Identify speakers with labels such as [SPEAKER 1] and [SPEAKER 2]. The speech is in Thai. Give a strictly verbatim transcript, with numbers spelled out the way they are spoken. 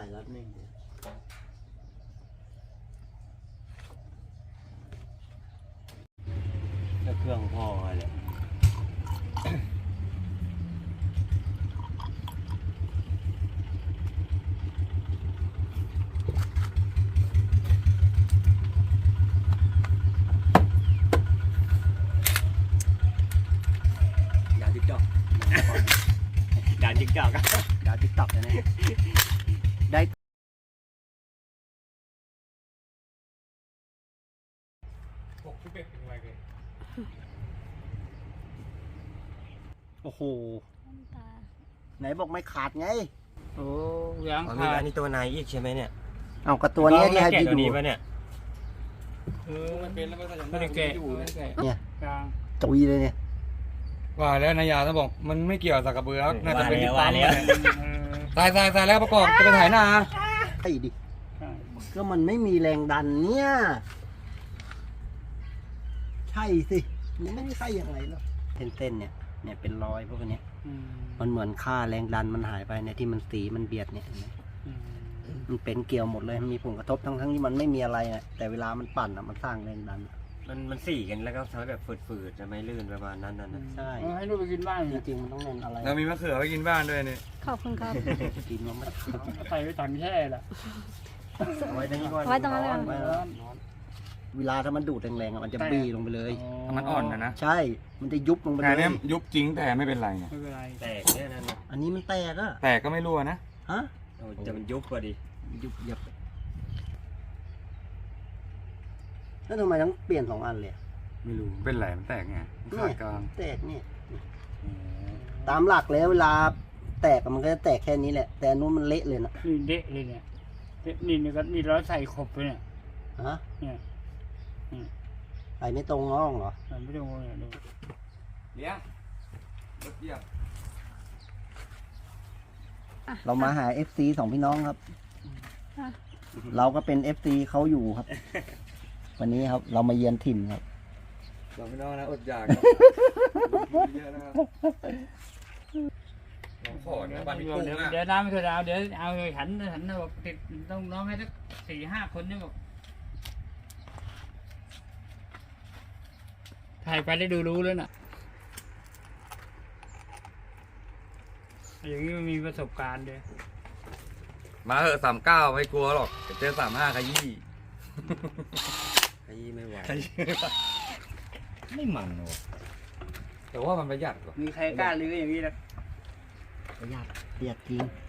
[SPEAKER 1] รับนิ่งก็เครื่องพ่อแหละดาวติ๊กต็อกดาวติ๊กต็อกดาวติ๊กต็อกนะเนี่ยได้
[SPEAKER 2] หกสิบเอ็ดเป็นไรกัน
[SPEAKER 1] โอ้โหไหนบอกไม่ขาดไง
[SPEAKER 2] โอ้ยัง
[SPEAKER 3] อ๋อมี
[SPEAKER 2] ขาด
[SPEAKER 3] อันนี้ตัวในอีกใช่ไหมเนี่ย
[SPEAKER 1] เอากับตัวนี้ที่ให้พี่
[SPEAKER 3] ตัว
[SPEAKER 1] ดู
[SPEAKER 3] นี้ปะเนี่ย
[SPEAKER 2] เออมันเป็นแล้วไม่ได้แกะไม่ได้แกะ
[SPEAKER 1] เนี่ย
[SPEAKER 2] กลาง
[SPEAKER 1] ตุยเลยเนี่ย
[SPEAKER 4] ว่าแล้วนายาต้องบอกมันไม่เกี่ยวกับกระเบือน่าจะเป็นที่
[SPEAKER 3] ว่า
[SPEAKER 4] ปั๊ม
[SPEAKER 3] แล้ว
[SPEAKER 4] ตายตายตายแล้วประกอบจะไปถ่ายหน้า
[SPEAKER 1] ไอ้ดิ
[SPEAKER 2] ใช่
[SPEAKER 1] ก็มันไม่มีแรงดันเนี่ยใช่สิมันไม่ใช่ยังไงหรอกเส้นๆเนี่ยเนี่ยเป็นรอยพวกนี้
[SPEAKER 2] อืม
[SPEAKER 1] มันเหมือนค่าแรงดันมันหายไปเนี่ยที่มันสีมันเบียดเนี่ยเห็นไหม
[SPEAKER 2] อืม
[SPEAKER 1] มันเป็นเกี่ยวหมดเลยมันมีผลกระทบทั้งทั้งที่มันไม่มีอะไรอ่ะแต่เวลามันปั่นอ่ะมันสร้างแรงดัน
[SPEAKER 3] มันมันสี่กันแล้วก็ทำให้แบบฝืดๆจะไม่ลื่นประมาณนั้นนั่นนะ
[SPEAKER 1] ใช่
[SPEAKER 2] เอาให้ลูกไปกินบ้าน
[SPEAKER 1] จ
[SPEAKER 2] เนี่ย
[SPEAKER 1] ริงๆมันต้องเน้นอะไร
[SPEAKER 4] เรามีมะเขือไว้กินบ้านด้วยนี่
[SPEAKER 5] ขอบคุณครับ
[SPEAKER 1] กินมันไม่ขาว
[SPEAKER 2] ใส่ไว้ถังแช่ละ
[SPEAKER 3] เอาไว้ตรงนี้ก่อน
[SPEAKER 5] ไว้ตรงนั้นเลย
[SPEAKER 1] ไม่ร้อนเวลาถ้ามันดูดแรงๆอะมันจะบี้ลงไปเลย
[SPEAKER 4] มันอ่อนนะนะ
[SPEAKER 1] ใช่มันจะยุบลงไป
[SPEAKER 4] แต่
[SPEAKER 1] เล
[SPEAKER 4] เนี้
[SPEAKER 1] ย
[SPEAKER 4] ยยุบจริงแต่ไม่เป็นไรไง
[SPEAKER 2] ไม่เป็นไร
[SPEAKER 3] แตกเนี่ยนั่นนะ
[SPEAKER 1] อันนี้มันแตกอะ
[SPEAKER 4] แต่ก็ไม่รั่วนะ
[SPEAKER 1] ฮะ
[SPEAKER 3] โอ้จะมันยุบพอดี
[SPEAKER 1] ยุบยับแล้วทำไมต้องเปลี่ยนสองอันเลยอะ
[SPEAKER 4] ไม่รู้เป็นไรมันแตกไงมันขาดกลาง
[SPEAKER 1] แตกเนี่ยตามหลักแล้วเวลาแตกอะมันก็จะแตกแค่นี้แหละ แต่อันนู้นมันเละเลยนะ
[SPEAKER 2] นี่เดะเลยเนี่ยเดะนี่นี่ก็นี่เราใส่ขบไปเนี่ย
[SPEAKER 1] ฮะ
[SPEAKER 2] เนี่ย
[SPEAKER 1] ไปไม่ตรงน้องเหรอ
[SPEAKER 2] มันไม่ต้องงงเนี่ยดู
[SPEAKER 4] เลี้ยงรถเหยียบ
[SPEAKER 1] เรามาหา เอฟ ซี สองพี่น้องครับ เราก็เป็น เอฟ ซี เขาอยู่ครับ วันนี้ครับ เรามาเยือนถิ่นครับ
[SPEAKER 4] สองพี่น้องนะอดอยากเยอะนะครับน้องขอนะบ้านพี่กุ้ง
[SPEAKER 2] เดี๋ยว
[SPEAKER 4] นะ
[SPEAKER 2] เดี๋ยวน้ำไม่เคยเอาเดี๋ยวเอาหันหันบอกติดต้องน้องให้สักสี่ห้าคนเนี่ยบอกถ่ายไปได้ดูรู้แล้วน่ะอย่างนี้มันมีประสบการณ์ด้วย
[SPEAKER 4] มาเหอะสามเก้าไม่กลัวหรอกเจอสามห้าขยี้
[SPEAKER 3] ขยี้ไม่ไหว
[SPEAKER 4] ขยี้ไม่มันหรอกแต่ว่ามันประหยัดกว่า
[SPEAKER 2] มีใครกล้าลื้ออย่างนี้นะ
[SPEAKER 1] ประหยัดประหยัดจริง